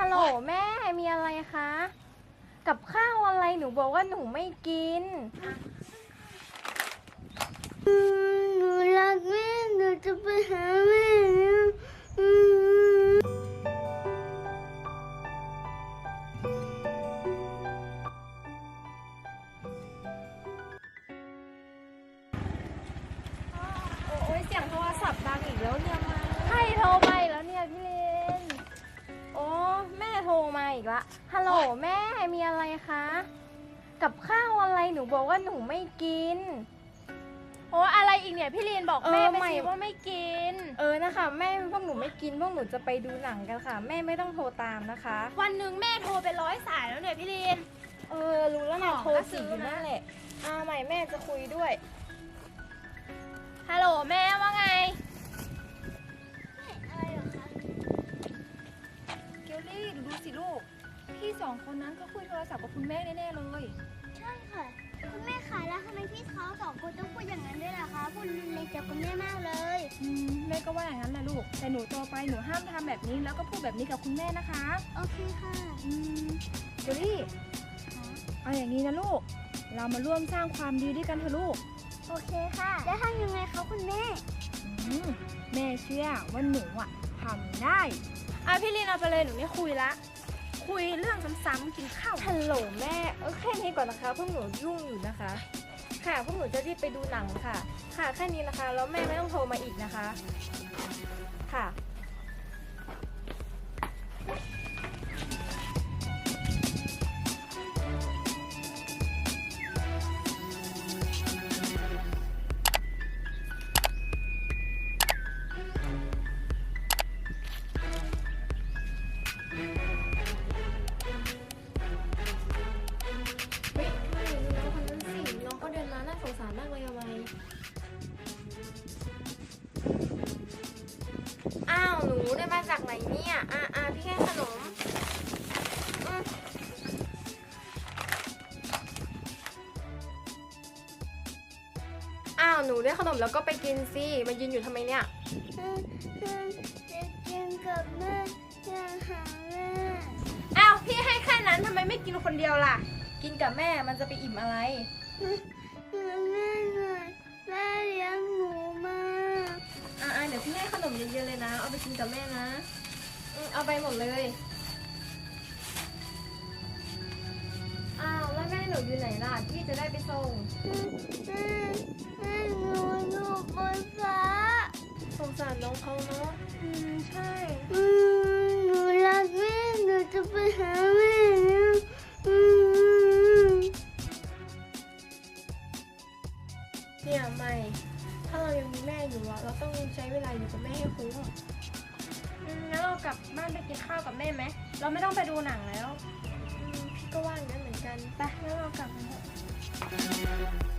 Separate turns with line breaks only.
ฮัลโหลแม่มีอะไรคะกับข้าวอะไรหนูบอกว่าหนูไม่กิน
หนูรักแม่หนูจะไปหาแม่แล้ว
โอ้ยเสียงโทรศัพท์ดังอีกแล้วเนี่ยมาใครโทรไปแล้วเนี่ยพี่เลนโอ้แม่โทรมาอีกละฮัลโหลแม่มีอะไรคะกับข้าวอะไรหนูบอกว่าหนูไม่กิน
โอ้อะไรอีกเนี่ยพี่ลีนบอกแม่ไป
ไม่
สิว่าไม่กิน
นะคะแม่พวกหนูไม่กินพวกหนูจะไปดูหนังกันค่ะแม่ไม่ต้องโทรตามนะคะ
วันหนึ่งแม่โทรไป100 สายแล้วเนี่ยพี่ลีน
รู้แล้วนะ
ของ
โทร
ก็ซื้
สี่
อ
อยู่
นะ
นั่นแหละใหม่แม่จะคุยด้วย
ฮัลโหลแม่ว่าไง
อะไรเหรอคะ
เกลลี่ดูสิลูกพี่สองคนนั้นเขาคุยโทรศัพท์กับคุณแม่แน่ๆเลย
ใช่ค่ะคุณแม่คะแล้วทำไมพี่เขาสองคนต้องพูดอย่างนั้นด้วยล่ะคะพูดเลยจากคุณแม่มากเลย
แม่ก็ว่าอย่างนั้นแหละลูกแต่หนูโตไปหนูห้ามทำแบบนี้แล้วก็พูดแบบนี้กับคุณแม่นะคะ
โอเคค่ะ
เกลลี่เอาอย่างนี้นะลูกเรามาร่วมสร้างความดีด้วยกันเถอะลูก
โอเคค่ะแล้วทำยังไงคะคุณแม่
อืมแม่เชื่อว่าหนูทำได้
พี่ลีนเอาไปเลยหนูไม่คุยละ คุยเรื่องซ้ำๆกินข้าว
ฮัลโหลแม่แค่นี้ก่อนนะคะพวกหนูยุ่งอยู่นะคะ ค่ะพวกหนูจะรีบไปดูหนังค่ะ ค่ะแค่นี้นะคะแล้วแม่ไม่ต้องโทรมาอีกนะคะ ค่ะเฮ้ยไม่ดูน้องคนนั้นสิน้องก็เดินมาน่าสงสารมากเลยทำไมอ้าวหนูได้มาจากไหนเนี่ยพี่ให้ขนมอืมอ้าวหนูได้ขนมแล้วก็ไปกินสิมายืนอยู่ทำไมเนี่ย
จะกินกับแม่อยากหาแม่
อ้าวพี่ให้แค่นั้นทำไมไม่กินคนเดียวล่ะ
กินกับแม่มันจะไปอิ่มอะไร
แม่หน่อยแม่เลี้ยงหนูมา
เดี๋ยวพี่ให้ขนมเยอะๆเลยนะ เอาไปกินกับแม่นะเอาไปหมดเลย อ้าวแล้วแม่หนูอยู่ไหนล่ะพี่จะได้ไปส่ง
แม่หนูอยู่บนฟ้า
สงสารน้องเขาเนาะใช่
หนูรักแม่หนูจะไปหาแม่แล้ว
เนี่ยใหม่ ถ้าเรายังมีแม่อยู่เราต้องใช้เวลาอยู่กับแม่ให้คุ้ม
งั้นเรากลับบ้านไปกินข้าวกับแม่ไหม เราไม่ต้องไปดูหนังแล้ว
พี่ก็ว่าอย่างนั้นเหมือนกัน
ไปงั้นเรากลับกันเถอะ